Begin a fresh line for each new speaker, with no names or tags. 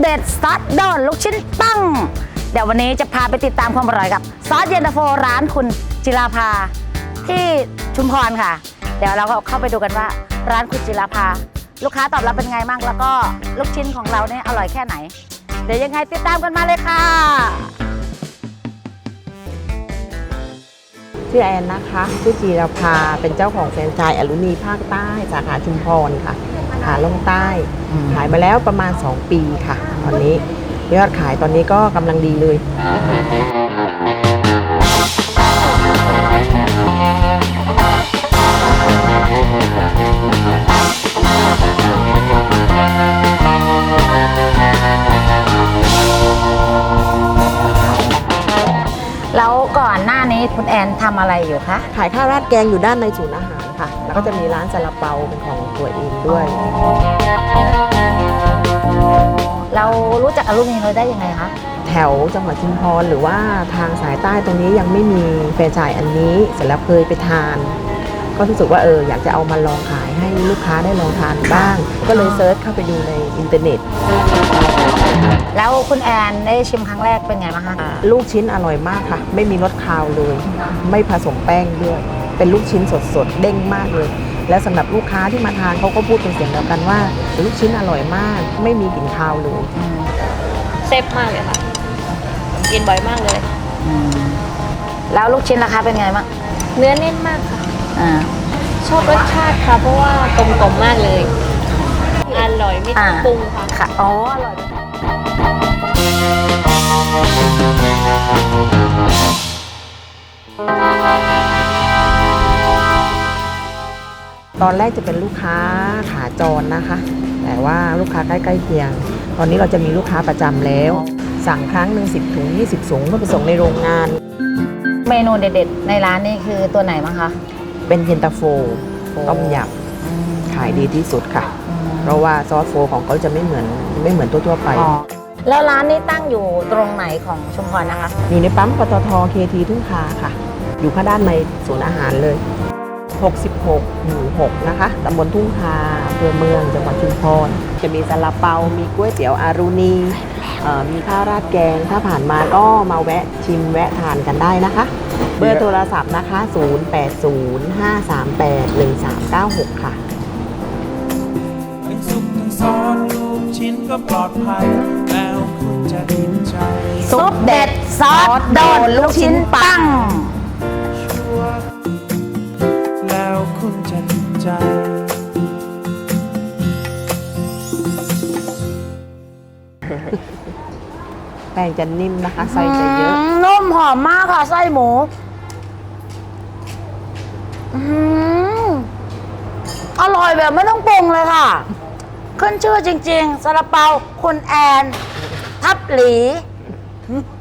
ด็ดซอสโดนลูกชิ้นปั้งเดี๋ยววันนี้จะพาไปติดตามความอร่อยกับซอสเย็นตาโฟร้านคุณจิราภาที่ชุมพรค่ะเดี๋ยวเราก็เข้าไปดูกันว่าร้านคุณจิราภาลูกค้าตอบรับเป็นไงบ้างแล้วก็ลูกชิ้นของเราเนี่ยอร่อยแค่ไหนเดี๋ยวยังไงติดตามกันมาเลยค่ะ
ชื่อแอนนะคะชื่อจีรภาเป็นเจ้าของแฟรนไชส์อลูนีภาคใต้สาขาชุมพรค่ะขาลงใต้ขายมาแล้วประมาณ2 ปีค่ะตอนนี้ยอดขายตอนนี้ก็กำลังดีเลย
แล้วก่อนหน้านี้คุณแอนทำอะไรอยู่คะ
ขายข้าวราดแกงอยู่ด้านในศูนย์อาหารค่ะแล้วก็จะมีร้านซาลาเปาเป็นของตัวเองด้วย
เรารู้จักอลูมิเนียมได้ยังไงคะ
แถวจังหวัดชุมพรหรือว่าทางสายใต้ตรงนี้ยังไม่มีแฟรนไชส์อันนี้เสร็จแล้วเคยไปทานก็รู้สึกว่าอยากจะเอามาลองขายให้ลูกค้าได้ลองทานบ้างก็เลยเซิร์ชเข้าไปดูในอินเทอร์เน็ต
แล้วคุณแอนได้ชิมครั้งแรกเป็นไงบ้างคะ
ลูกชิ้นอร่อยมากค่ะไม่มีรสคาวเลยไม่ผสมแป้งด้วยเป็นลูกชิ้นสดๆเด้งมากเลยและสำหรับลูกค้าที่มาทานเขาก็พูดเป็นเสียงเดียวกันว่าลูกชิ้นอร่อยมากไม่มีกลิ่นคาวเลย
เซฟมากเลยค่ะกินบ่อยมากเลย
แล้วลูกชิ้นราคาเป็นไงบ้าง
เนื้อแน่นมากค่ะชอบรสชาติค่ะเพราะว่ากลมๆมากเลยอร่อยไม่ต้องปรุงค่ะ
อ๋ออร่อย
ตอนแรกจะเป็นลูกค้าขาจรนะคะแต่ว่าลูกค้าใกล้ๆเคียงตอนนี้เราจะมีลูกค้าประจำแล้วสั่งครั้งหนึ่ง10 ถุง 20 ถุงก็ไปส่งในโรงงาน
เมนูเด็ดๆในร้านนี่คือตัวไหนบ้างคะ
เป็นเย็นตาโฟต้มยำขายดีที่สุดค่ะเพราะว่าซอสโฟของเขาจะไม่เหมือนทั่วๆไป
แล้วร้านนี้ตั้งอยู่ตรงไหนของชุมพรนะคะ
อยู่ในปั๊มปตท.เคทีทุ่งคาค่ะอยู่ข้างด้านในศูนย์อาหารเลย66 หมู่ 6นะคะตำบลทุ่งคาอำเภอเมืองจังหวัดชุมพรจะมีซาลาเปามีก๋วยเตี๋ยวอารูนีมีข้าวราดแกงถ้าผ่านมาก็มาแวะชิมแวะทานกันได้นะคะเบอร์โทรศัพท์นะคะ0805381396ค่ะ
ทั้งสุกทั้งซอสลูกชิ้นก็ปลอดภัยแล้วคุณจะติดใจ
ซุปเด็ดซอสโดนลูกชิ้นปั้ง
แล้วคุณจะติดใจ
แป้งจะนิ่มนะคะไส้จะเยอะ
นุ่มหอมมากค่ะไส้หมูอร่อยแบบไม่ต้องปรุงเลยค่ะขึ้นชื่อจริงๆซาลาเปาคุณแอนทับหลี